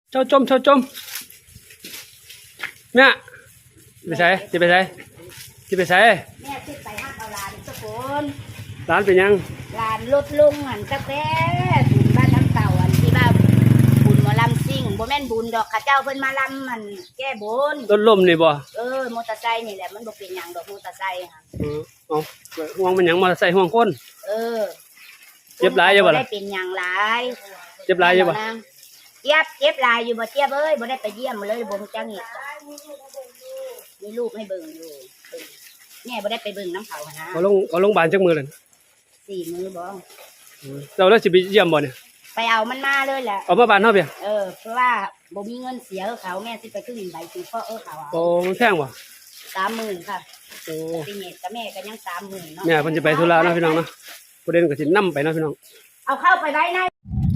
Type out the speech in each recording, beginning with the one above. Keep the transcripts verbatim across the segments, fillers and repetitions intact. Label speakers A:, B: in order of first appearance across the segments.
A: เจ้าจมเจ้าจมเนี่ยไปใส่จะไปใส่จะไปใส่
B: แม่คิดไปฮักเอาหลานสักคน
A: ร้านเป็นยัง
B: หลานลดลงหันสักแท้บุญบ้านน้ำเต่าอันที่บ้านบุญหมอลำซิ่งบ่แม่นบุญดอกข้าเจ้าเพิ่นมาลำมันแก้บน
A: รถล้มนี่บ่
B: เออมอเตอร์ไซค์นี่แหละมันบ่เป็นหยังดอกมอเตอร์ไซค์ค่ะ
A: เออเอาห่วงมันหยังมอเตอร์ไซค์ห่วงคน
B: เออ
A: เจ็บหลายอยู่บ่ล่ะ
B: ได้เป็นหยังหลาย
A: เจ็บหลายอยู่บ่
B: เจ็บเจ็บหลายอยู่บ่เจ็บเอ้ยบ่ได้ไปเยี่ยมเลยบ่ฮู้จักอีกมีลูกให้เบิ่งอยู่แม่บ่ได้ไปเบิ่งน้ำเขานะ
A: เขาลงเขาลงบาลจักมือเลย
B: สี่มือบ่
A: เราแล้วสิไปเยี่ยมบ่เนี่ย
B: ไปเอามันมาเลยแหละ
A: เอามาบ้านเฮาเพียง
B: เออเพราะว่าบ่มีเงินเสียเขาแม่สิไปขึ้นใบสิพ่อเออเขา
A: โอ้มันแพงบ่
B: สามหมื่นค่ะโอ้ปีนี้กับแม่ก็ยังสามหมื่นเนาะ
A: แม่เพิ่นจะไปธุระเนาะพี่น้องเนาะประเด็นก็สินำไปเนาะพี่น้อง
B: เอาเข้าไปไว้ใน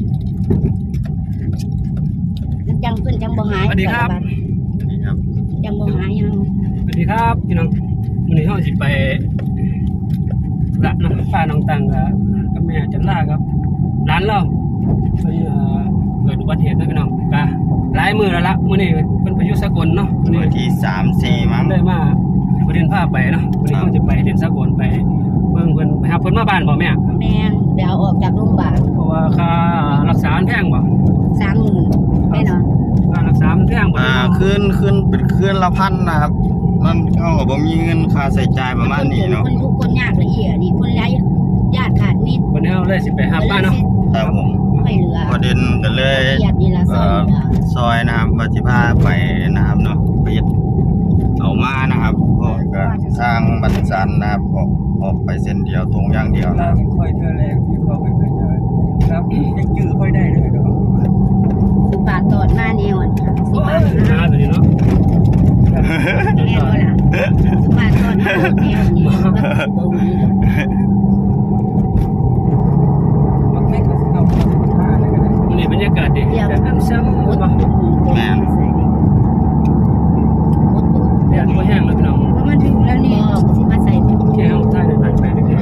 B: จังเพิ่นจังบ่หาย
A: สวัสดีครับ
B: จังบ่หายยัง
A: สวัสดีครับพี่น้องมื้อนี้เฮาสิไปละน้องฟ้าน้องตังกับแม่จันลาครับร้านเราเพิ่นเอ่อเกิดอุบัติเหตุนะพี่น้องก็หลายมื้อแล้วละมื้อนี้เพิ่นไปอยู่สกลเนาะมื้
C: อที่สาม สี่มั้ง
A: ได้มาประเด็นพาไปเนาะมื้อนี้เฮาจะไปเรียนสกลไปเบิ่งเพิ่นไปหาเพิ่นมาบ้านบ่แม่
B: แม่นไปเอาออกจากโรงพยาบาล
A: เพราะว่าค่ารักษาแพงบ่
B: สามหมื่นแน่นอน
A: ค่ารักษามันแพงบ่
C: อ่าขึ้นขึ้นเป็นคืนละพันนะครับมันเท่ากับบ่มีเงินค่าใช้จ่ายประมาณนี้เนาะ
B: คนทุกคนยากละเอียดนี่คนไร้ญาติขาดนิด
A: วันนี้เฮาเลยสิไปหาบ้านเนาะ
C: ครับผม
B: ไม่เหลือ
C: ประเด็นก็เลยเอ่อซอยนะครับว่าสิพาไปนะครับเนาะไปเอามานะครับก็ทางบันซันนะครับออกออกไปเส้นเดียวตรงอย่างเดียวนะครับ
A: ค่อยเธอแรกที่เขาไปเคยเจอครับยังจื้อค่อยได้เลยเนาะ
B: สิบบาทตอดมาแนวอ่ะสิบบาทนะ
A: ตัวนี้เนาะ
B: แน่นอนล่ะสิบบาทตอดมาแนวนี้บ่มี
A: นี่บรรยากาศดีแต่น้ำซ้ำบ่
C: แม่น
A: แดดบ่แห้งแล้วพี่น้อง
B: เพราะมันถึงแล้วนี่สิมาใส่
A: แค่เฮาถ่ายได้หลายไปเลย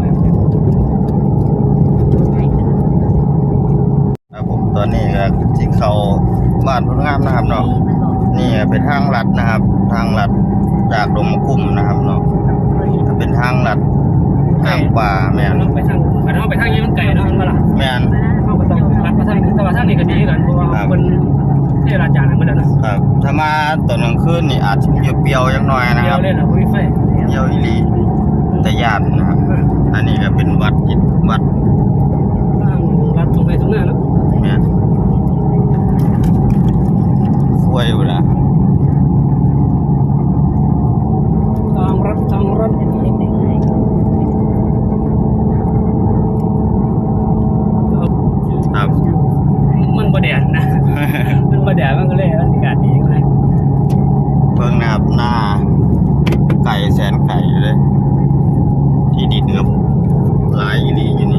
C: ครับผมตอนนี้ก็สิเข้าบ้านพุ่นงามนะครับเนาะนี่เป็นทางลัดนะครับทางลัดจากดงมะกุ้มนะครับเนาะเป็นทางลัดทางป่าแม่น
A: ไปทางไปทางไปทางนี้มันไกลเนาะมันบ่ล่ะ
C: แม่น
A: เฮาก็ต้องลัดไปทางนี้แต่ว่าทางนี้ก็ดีกันเพราะว่าเพิ่นเทราจารย์ให้มันแล้วนะครับ
C: ถ้ามาตอนกลางคืนนี่อาจจะเปรี้ยวๆจักหน่อยนะครับ
A: เปรี้ยวเลยล่ะบ่มีไฟ
C: เปรี้ยวอีหลีแต่ญาตินะครับอันนี้ก็เป็นวัดวัด
A: วัดตรงไปตรงหน้าเนาะ
C: แม่นสวยอยู่ล่ะ
A: ทางรถทางรถ
C: ครับ
A: มันบ่แดดนะมันบ่แดดมันก็เลยบรรยากาศดีมาก
C: เพิ่งนะครับหน้าไก่แสนไก่อยู่เลยที่ดินครับหลายอีหลีอยู่นี่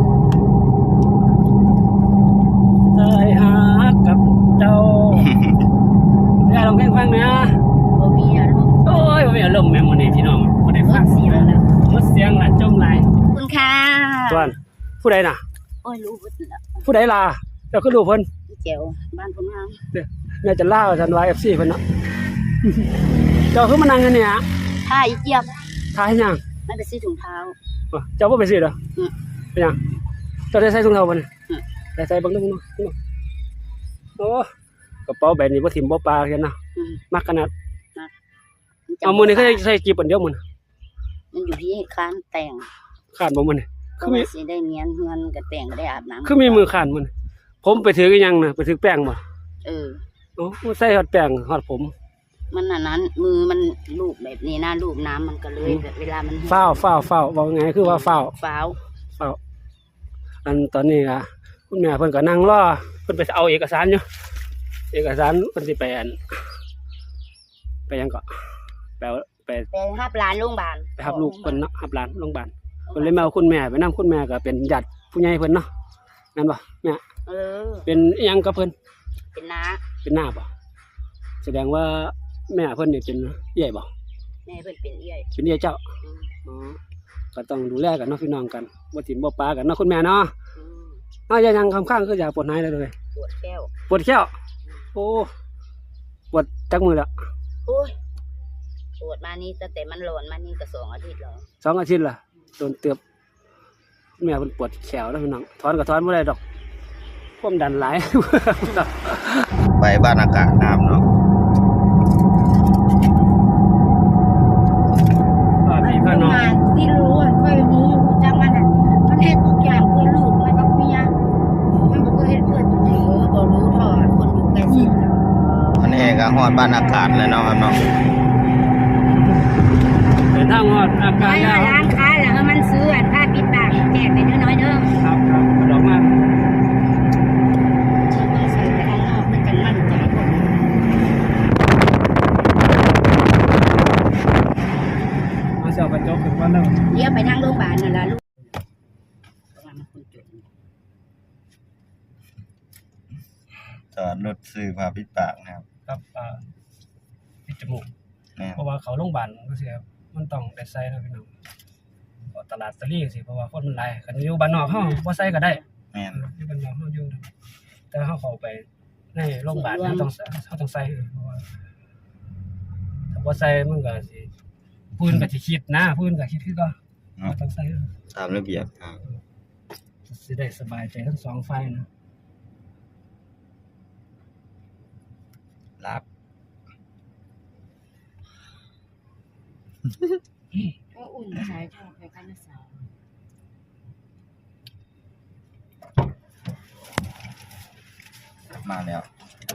A: ตายหากับเจ้าได้ลองเพลงฟังนะ
B: บ่มีอารมณ์
A: โอ้ยบ่มีอารมณ์แม่มื้อนี้พี่น้องบ่ได้ฟัง
B: เสียงแล้ว
A: หมดเสียงละจมหลาย
B: คุณค่ะ
A: ส่วนผู้ใดน่ะ
B: โอ้ยรู้เบิดแล้ว
A: ผู้ใดล่ะเจ้าคือรู้เพิ่น
B: แจ๋วบ้านผมงาม
A: เด้อแม่จะล่าว่าซั่นว่า เอฟ ซี เพิ่นเนาะเจ้าคือมานั่งกันเนี่ย
B: ท่าอีเจี๊ยบ
A: ท่าให้หยัง
B: ไม่ไปซื้อถุงเท้า
A: เจ้าบ่ไปซื้อเหรอเป็นหยังเจ้าได้ใส่ถุงเท้าบ่นี่ได้ใส่เบิ่งดูเนาะโอ้กระเป๋าแบบนี้บ่ทิ่มบ่ปลาเห็นนะมักขนาดเอามื้อนี้เขาใส่กี่ปันเดียวมื้อ
B: มันอยู่ที่ค้านแต่ง
A: ข้านบ่มื้อนี้
B: คือมีสิได้เมียนเฮือนกับแต่งก็ได้อาบน้ำ
A: คือมีมือข้านมื้อนี้ผมไปถืออีหยังน่ะไปถือแป้งบ่
B: เออ
A: โอ้ใส่ฮอดแป้งฮอดผม
B: มันอันนั้นมือมันลูบแบบนี้นะลูบน้ำมันก็เลยแบบเวลามัน
A: ฟ้าวฟ้าวฟ้าวว่าไงคือว่าฟ้าว
B: ฟ้าว
A: ฟ้าวอันตอนนี้อ่ะคุณแม่เพิ่นก็นั่งรอเพิ่นไปเอาเอกสารอยู่เอกสารเพิ่นสิไปอันไปยังก็ไปไป
B: ไปรับหลานโรงพยาบาล
A: ไปรับลูกเพิ่นเนาะรับหลานโรงพยาบาลเพิ่นเลยมาเอาคุณแม่ไปนำคุณแม่ก็เป็นญาติผู้ใหญ่เพิ่นเนาะนั่นบ่แม่
B: เออ
A: เป็นอีหยังกับเพิ่น
B: เป็นน้า
A: เป็นน้าบ่แสดงว่าแม่เพิ่นนี่เป็นเอื้อยบ่
B: แม่เพิ่นเป็นเอื้อย
A: เป็นเอื้อยเจ้าอ๋อก็ต้องดูแลกันเนาะพี่น้องกันบ่ถิ่มบ่ปากันเนาะคุณแม่เนาะอ้าวยังคำข้างคืออยากปวดหายเลยเลย
B: ปวดแก้ว
A: ปวดแก้วโอ้ปวดจักมือละ
B: โอ้ยปวดมานี่ตั้งแต่มันร้อนมานี่ก็สองอาทิตย์แล้ว
A: สองอาทิตย์ละโดนเตือบแม่มันปวดแขวแล้วพี่น้องถอนก็ถอนไม่ได้ดอกความดันหลาย
C: ไปบ้านอากาศนะครับเนาะ
A: อ่าพี่พ่อน้อง
B: ที่รู้อ่ะเคยรู้จังมันอ่ะมันเฮ็ดทุกอย่างเพื่อลูกมันก็เมียมันบ่เคยเฮ็ดเพื่อตัวเองบ่รู้ทอดคนอยู่ใกล้ชิด
C: มันเองก็ฮอดบ้านอากาศเลยเนาะครับเนาะ
A: เป็นทางฮอดอา
B: ไป
A: การแล้ว
B: ร้านค้าแล้วมันซื้ออันผ้าปิดปากแจกไปน้อยๆเด้อ
A: ครับครับกระดอกมาก
B: ต้องใส่ไปข้างนอกมันจังมั่นใจพวก
A: มาเสียวกระจกถึงวันแล้ว
B: เลี้ยวไปทางโรงพยาบาลนั่นล่ะลูกประมาณมันคนจุด
C: จอดรถซื้อผ้าปิดปากนะครับ
A: ครับอ่าปิดจมูก
C: นี่
A: เพราะว่าเขาโรงพยาบาลก็สิครับมันต้องได้ใส่นะพี่น้องก็ตลาดตะลี่สิเพราะว่าคนมันหลายคันอยู่บ้านนอกเฮาบ่ใส่ก็ได้
C: แม่น
A: อยู่บ้านนอกเฮาอยู่ได้แต่เฮาเข้าไปในโรงพยาบาลเฮาต้องใส่เฮาต้องใส่เออเพราะว่าถ้าบ่ใส่มันก็สิพื้นก็สิคิดนะพื้นก็คิดคือก็
C: เนาะ
A: ต้องใส่เออ
C: ตามระเบียบครับ
A: สิได้สบายใจทั้งสองฝ่ายนะ
C: รับ
B: ก็อุ่นใช้ทอดไปกันนะสาว
C: มาแล้ว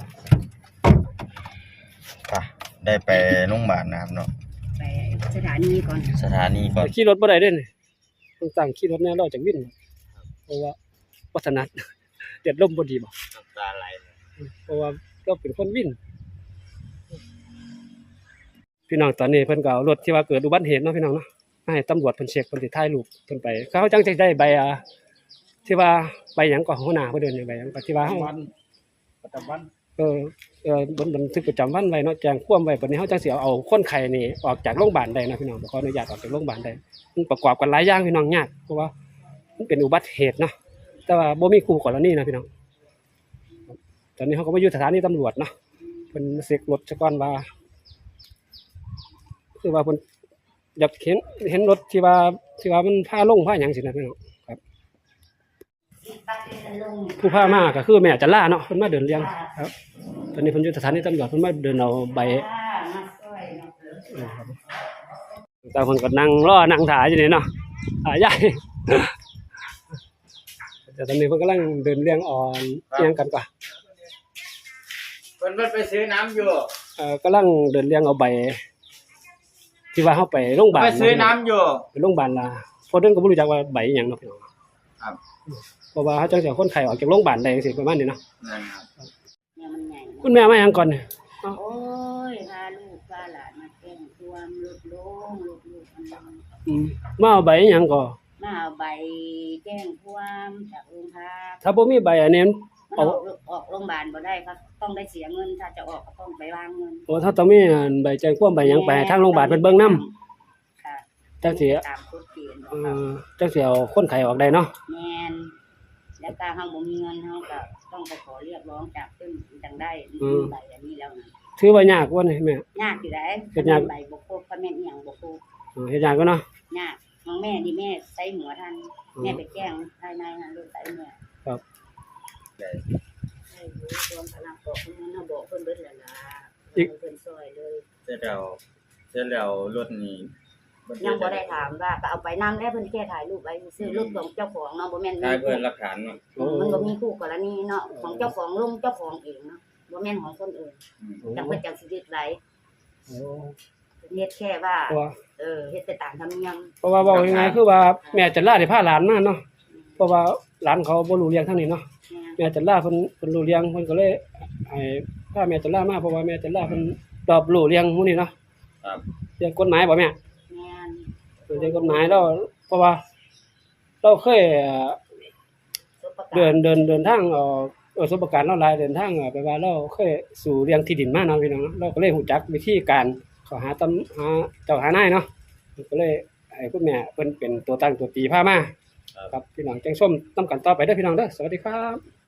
C: ป่ะได้ไปโรงพยาบาลนะครับเนาะ
B: ไปสถานีก่อน
C: สถานีก่อน
A: ขี่รถบ่ได้เด้นี่ต้องตั้งขี่รถแน่รอจากวินเพราะว่าวัฒนัด เด็ดลมบ่ดีบ่
C: น้ำตาไหล
A: เพราะว่าเราเป็นคนวิน พี่น้องตอนนี้เพิ่นก็เอารถที่ว่าเกิดอุบัติเหตุเนาะพี่น้องเนาะมาให้ตำรวจเพิ่นเช็คเพิ่นสิถ่ายรูปเพิ่นไปเขาจังจะได้ใบอ่าที่ว่าใบหยังก็หัวหน้าเพิ่นเดินใบหยังก็ที่ว่าเฮา
D: ประจำวัน
A: เออเออบนบันทึกประจำวันไว้เนาะแจ้งความไว้บัดนี้เฮาจังสิเอาเอาคนไข้นี่ออกจากโรงพยาบาลได้นะพี่น้องขออนุญาตออกจากโรงพยาบาลได้มันประกอบกันหลายอย่างพี่น้องยากเพราะว่ามันเป็นอุบัติเหตุเนาะแต่ว่าบ่มีคู่กรณีนะพี่น้องตอนนี้เฮาก็มาอยู่สถานีตำรวจเนาะเพิ่นเช็ครถซะก่อนว่า คือว่าเพิ่นอยากเห็นเห็นรถที่ว่าที่ว่ามันพาลงพาหยังสินะพี่น้องครับผู้พามาก็คือแม่จันลาเนาะเพิ่นมาเดินเลี้ยงครับตอนนี้เพิ่นอยู่สถานีตำรวจเพิ่นมาเดินเอาใบเออครับแต่เพิ่นก็นั่งรอนั่งถ่ายอยู่นี่เนาะถ่ายใหญ่ แต่ตอนนี้เพิ่นกำลังเดินเลี้ยงอ่อนเลี้ยงกันกว่า
D: เพิ่นเพิ่นไปซื้อน้ำอยู่
A: เอ่อกำลังเดินเลี้ยงเอาใบที่ว่าเฮาไปโรงพยาบาล
D: ไปซื้อน้ำอยู่
A: ไปโรงพยาบาลล่ะเพราะเดินก็บ่รู้จักว่าใบอิหยังเนาะพี่น้อง
D: ครับ
A: เพราะว่าเขาจังสิเอาคนไข้ออกจากโรงพยาบาลได้จังซี่ประมาณนี้เนาะ
D: นั่นครับ
B: เนี่ยมันใหญ่
A: คุณแม่มาหยังก่อนเนี่ย
B: โอ้ยพาลูกพาหลานมาแกล้งความลุกลงลุกลุกอันนั้น
A: อืมมาเอาใบอิหยังก่อ
B: มาเอาใบแจ้งความจากโรงพัก
A: ถ้าบ่มีใบอันนี้
B: มัน
A: เอา
B: ออกออกโรงพยาบาลบ่ได้ครับต้องได้เสียเงินถ้าจะออกก็ต้องไปวางเงิน
A: โอ้ถ้าต้องมีอันใบแจ้งความใบหยังไปให้ทางโรงพยาบาลเพิ่นเบิ่งนำ
B: ค่ะ
A: จังสิ
B: ตามกฎเกณฑ์ข
A: เอ
B: องเขา
A: อจังสิเอาคนไข้ออกได้เนาะ
B: แม่นแล้วถ้าเฮาบ่มีเงินเฮาก็ต้องไปขอเรียกร้องจากเพิ่นจังได้มีใบอันนี้แล้วนะ
A: ถือว่ายากกว่านี่แม่
B: ยากอยู่ได้
A: เฮ็ดยาก
B: ใบบ่ครบก็แม่นอีหยังบ่ครบ
A: เออเฮ็ดยากก็เนาะ
B: ยากน้องแม่นี่แม่ใส่หัวทันแม่ไปแกล้งภายในหันลูกใส่แม่
A: ครับ
B: ได้รู้รวมพลังบอกเพิ่นน่ะบอกเพิ่นเบิดแล้วล่ะเพิ่นซอยเลย
C: เสร็จแล้วเสร็จแล้วรถนี้
B: ยังบ่ได้ถามว่าก็เอาไปนำแล้วเพิ่นแค่ถ่ายรูปไว้ซื้อรถของเจ้าของเนาะบ่แม่น
C: ได้เพื่อนหลักฐานเนาะ
B: มันบ่มีคู่กรณีเนาะของเจ้าของลงเจ้าของเองเนาะบ่แม่นของคนอื่น
A: โอ้
B: จังเพิ่นจังสิยึดไว้
A: โอ้
B: เฮ็ดแค่ว่า
A: เพราะว่า
B: เออเฮ็ดไปตามธรรมเนียม
A: เพราะว่าเว้าง่ายๆคือว่าแม่จันลาได้พาหลานมาเนาะเพราะว่าหลานเขาบ่รู้เรื่องทางนี้เนาะ
B: แม่
A: แม่จันลาเพิ่นเพิ่นรู้เรื่องเพิ่นก็เลยให้พาแม่จันลามาเพราะว่าแม่จันลาเพิ่นรอบรู้เรื่องหมู่นี้เนาะ
C: ครับ
A: เรื่องกฎหมายบ่แม่
B: แม่น
A: เรื่องกฎหมายเราเพราะว่าเราเคยเอ่อ
B: สุประกาศ
A: เดินเดินเดินทางเอ่อเออสมประการเราหลายเดินทางเอ่อไปว่าเราเคยสู่เรื่องที่ดินมาเนาะพี่น้องเนาะเราก็เลยรู้จักวิธีการเข้าหาตำหาเจ้าหานายเนาะก็เลยให้คุณแม่เพิ่นเป็นตัวตั้งตัวตีพามาครับพี่น้องจังส้มนํกันต่อไปเด้อพี่น้องเด้อสวัสดีครับ